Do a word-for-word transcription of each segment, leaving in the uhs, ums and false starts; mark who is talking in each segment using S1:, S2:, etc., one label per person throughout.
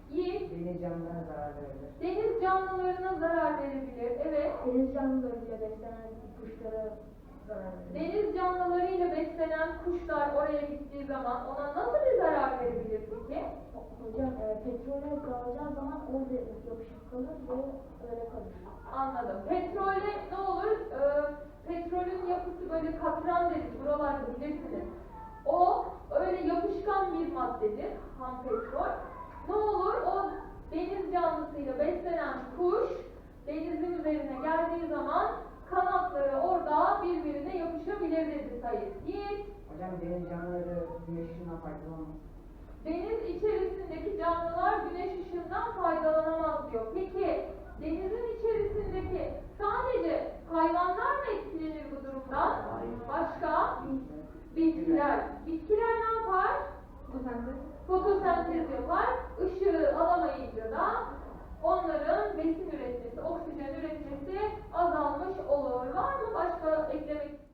S1: Yiğit.
S2: Deniz canlılarına zarar verebilir.
S1: Deniz canlılarına zarar verebilir. Evet.
S3: Deniz canlılarıyla beslenen kuşlara zarar verir.
S1: Deniz canlılarıyla beslenen kuşlar oraya gittiği zaman ona nasıl bir zarar verebilir peki?
S3: Hocam e, petrole dalacağı zaman orada yapışık kalır ve öyle kalır.
S1: Anladım. Petrole ne olur? Ee, petrolün yapısı böyle katran deriz. Buralarda bilirsiniz. O öyle yapışkan bir maddedir. Ham petrol. Ne olur? O deniz canlısıyla beslenen kuş denizin üzerine geldiği zaman kanatları orada birbirine yapışabilir dedi Sayit. Yiğit.
S2: Hocam deniz canlıları güneş ışığından faydalanmaz.
S1: Deniz içerisindeki canlılar güneş ışığından faydalanamaz diyor. Peki denizin içerisindeki sadece hayvanlar mı etkilenir bu durumdan? Başka? Bitkiler. Bitkiler ne yapar?
S3: Fotosentez.
S1: Fotosentez yapar. Işığı alamayınca da onların besin üretmesi, oksijen üretmesi azalmış olur. Var mı başka eklemek istediğiniz?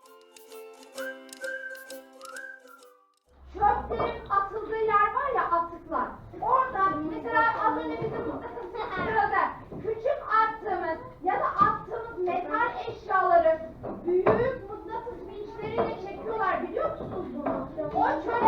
S4: Çöplerin atıldığı yer var ya, atıklar. Orada mesela az önce bizim sırada küçük attığımız ya da attığımız metal eşyaları büyük mıknatıs vinçleriyle çekiyorlar, biliyor musunuz bunu? O çöle